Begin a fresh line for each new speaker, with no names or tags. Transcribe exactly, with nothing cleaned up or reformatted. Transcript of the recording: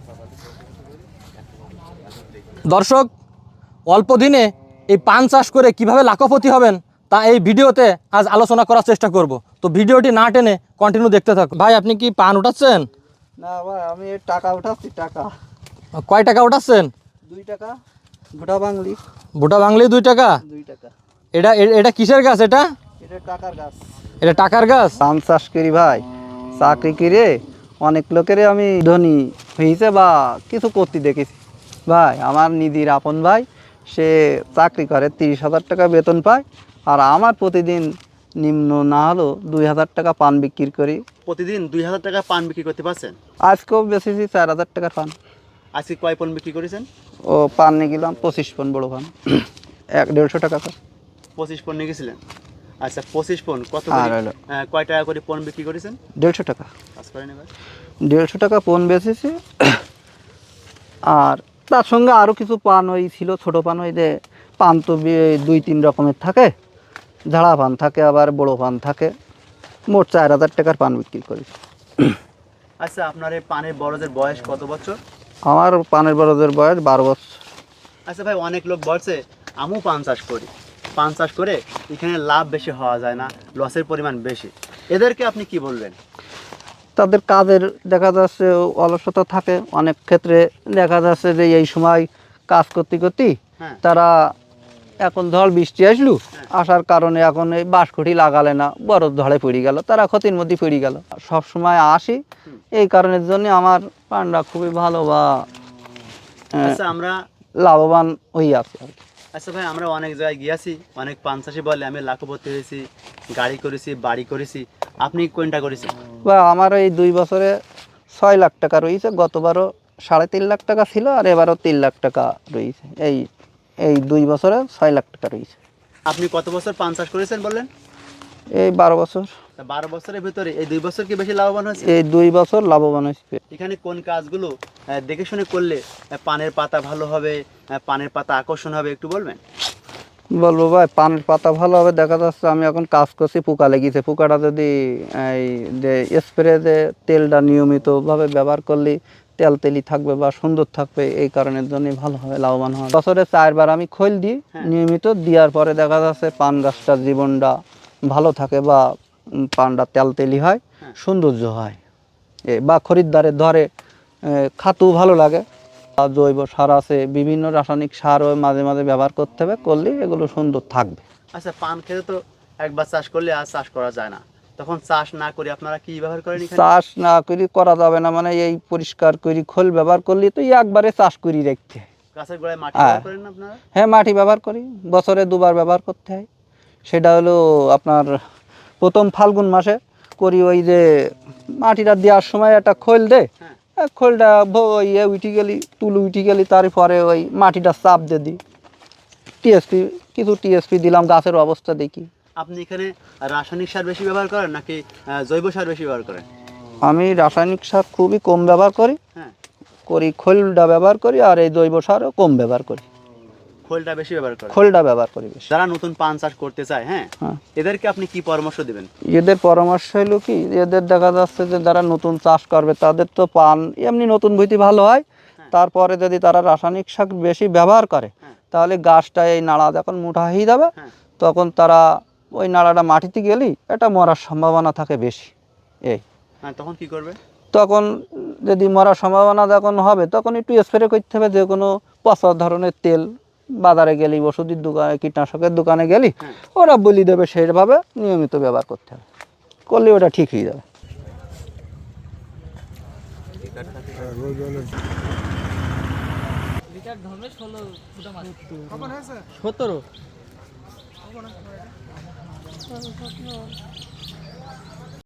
দর্শক, অল্প দিনে এই পান চাষ করে কিভাবে লাখপতি হবেন তা এই ভিডিওতে আজ আলোচনা করার চেষ্টা করব। তো ভিডিওটি না টেনে কন্টিনিউ দেখতে থাকুন। ভাই, আপনি কি পান উঠাচ্ছেন?
না ভাই, আমি টাকা উঠাচ্ছি। টাকা
কয় টাকা উঠাচ্ছেন?
দুই টাকা। ভুটা বাংলি।
ভুটা বাংলি দুই টাকা?
দুই টাকা।
এটা এটা কিসের গাছ? এটা
এটা টাকার গাছ।
এটা টাকার গাছ।
পান চাষ করি ভাই, চাকরি করে অনেক লোকের আমি ধনী হয়েছে বা কিছু করতে দেখেছি ভাই। আমার নিজের আপন ভাই, সে চাকরি করে, তিরিশ হাজার টাকা বেতন পায়, আর আমার প্রতিদিন নিম্ন না হলেও দুই হাজার টাকা পান বিক্রি করি।
প্রতিদিন দুই হাজার টাকা পান বিক্রি করতে পারছেন?
আজকেও বেচেছি চার হাজার টাকার পান।
আজকে কয় পণ বিক্রি করেছেন?
ও পান নিয়ে গেলাম পঁচিশ পণ, বড় পান এক দেড়শো টাকা।
পঁচিশ পণ নিয়ে গেছিলেন? আচ্ছা, পঁচিশ পণ কত
আর
করে,
হলো
আহ, কয় টাকা করে পণ বিক্রি করেছেন?
দেড়শো টাকা।
কাজ করেন এবার?
দেড়শো টাকা পণ বেচেছি। আর তার সঙ্গে আরও কিছু পান ওই ছিল, ছোটো পান। ওই যে পান তো বি- দুই তিন রকমের থাকে, ঝাড়া পান থাকে, আবার বড় পান থাকে। মোট চার হাজার টাকার পান বিক্রি করি।
আচ্ছা, আপনার এই পানের বড়দের বয়স কত বছর?
আমার পানের বড়দের বয়স বারো বছর।
আচ্ছা ভাই, অনেক লোক বলছে আমিও পান চাষ করি, পান চাষ করে এখানে লাভ বেশি হওয়া যায় না, লসের পরিমাণ বেশি, এদেরকে আপনি কি বলবেন?
তাদের কাজের দেখা যাচ্ছে অলসতা থাকে, অনেক ক্ষেত্রে দেখা যাচ্ছে যে এই সময় কাজ করতে করতে
হ্যাঁ।
তারা, এখন ঝড় বৃষ্টি আসলো, আসার কারণে এখন এই বাঁশকুঠি লাগালে না, বড় ঝড়ে পড়ে গেল, তারা ক্ষতির মধ্যে পড়ে গেল। সব সময় আসি এই কারণের জন্য আমার পানটা খুবই ভালো বা আহ,
আচ্ছা আমরা
লাভবান হয়ে আছে আর কি।
আচ্ছা ভাই, আমরা অনেক জায়গায় গিয়েছি, অনেক পান চাষি বলে আমি লাখপতি হয়েছি, গাড়ি করেছি, বাড়ি করেছি, আপনি কোনটা করেছেন?
বা আমার এই দুই বছরে ছয় লাখ টাকা রয়েছে। গতবারও সাড়ে তিন লাখ টাকা ছিল, আর এবারও তিন লাখ টাকা রয়েছে। এই এই দুই বছরে ছয় লাখ টাকা রয়েছে।
আপনি কত বছর পান চাষ করেছেন বললেন?
এই বারো বছর।
তা বারো বছরের ভিতরে এই দুই বছর কি বেশি লাভবান হয়েছে?
এই দুই বছর লাভবান হয়েছে।
এখানে কোন কাজগুলো আহ, দেখে শুনে করলে আহ, পানের পাতা ভালো হবে, আহ, পানের পাতা আকর্ষণ হবে, একটু বলবেন?
বলবো ভাই, পানের পাতা ভালো হবে। দেখা যাচ্ছে আমি এখন কাজ করছি, পোকা লেগেছে। পোকাটা যদি এই যে স্প্রে যে তেলটা নিয়মিতভাবে ব্যবহার করলে তেল তেলি থাকবে বা সুন্দর থাকবে, এই কারণের জন্যই ভালো হবে, লাভবান হবে। বছরে চারবার আমি খোল দিই নিয়মিত। দেওয়ার পরে দেখা যাচ্ছে পান গাছটার জীবনটা ভালো থাকে বা উম, পানটা তেল তেলি হয়, সৌন্দর্য হয়, এ বা খরিদ্দারের ধরে খাতু ভালো লাগে। আর জৈব সার আছে, বিভিন্ন রাসায়নিক সারও মাঝে মাঝে ব্যবহার করতে হবে, করলে এগুলো সুন্দর থাকবে।
আচ্ছা, পান খেতে তো একবার চাষ করলে আর চাষ করা যায় না, তখন চাষ না করে আপনারা কি ব্যবহার করেন এখানে?
চাষ না করি করা যাবে না, মানে এই পরিষ্কার করি খোল ব্যবহার করলে তো একবারে চাষ করি রাখতে হয়।
গাছের গোড়ায় মাটি
হ্যাঁ।
ব্যবহার করেন না আপনারা?
হ্যাঁ, মাটি ব্যবহার করি, বছরে দুবার ব্যবহার করতে হয়। সেটা হলো আপনার প্রথম ফাল্গুন মাসে করি। ওই যে মাটিটা দেওয়ার সময় একটা খোল দে,
হ্যাঁ।
খোলটা ইয়ে উঠে গেলি, তুলু উঠে গেলি, তারপরে ওই মাটিটা চাপ দিয়ে দিই। টিএসপি কিছু টিএসপি দিলাম, গাছের অবস্থা দেখি।
আপনি এখানে রাসায়নিক সার বেশি ব্যবহার করেন নাকি আহ, জৈব সার বেশি ব্যবহার করেন?
আমি রাসায়নিক সার খুবই কম ব্যবহার করি
হ্যাঁ।
করি খোলটা ব্যবহার করি, আর এই জৈব সারও কম ব্যবহার করি।
খোলটা বেশি ব্যবহার করেন?
খোলটা ব্যবহার করি বেশি।
যারা নতুন পান চাষ করতে চায়, হ্যাঁ,
হ্যাঁ।
এদেরকে আপনি কি পরামর্শ দিবেন?
এদের পরামর্শ হলো কি, এদের দেখা যাচ্ছে যে যারা নতুন চাষ করবে তাদের তো পান এমনি নতুন ভুঁইতে ভালো হয়। তারপরে যদি তারা রাসায়নিক সার বেশি ব্যবহার করে, তাহলে গাছটা এই নাড়া যখন মোটা হয়ে যাবে, তখন তারা ওই নাড়াটা মাটিতে গেলেই এটা মরার সম্ভাবনা থাকে বেশি। এই
হ্যাঁ, তখন কি করবে?
তখন যদি মরার সম্ভাবনা যখন হবে, তখন একটু স্প্রে করতে হবে। যে কোনো পচা ধরনের তেল বাজারে গেলি, ওষুধের দোকানে, কীটনাশকের দোকানে গেলি, ওরা বলি দেবে, সেইভাবে নিয়মিত ব্যবহার করতে হবে, করলে ওটা ঠিক হয়ে যাবে।
সতেরো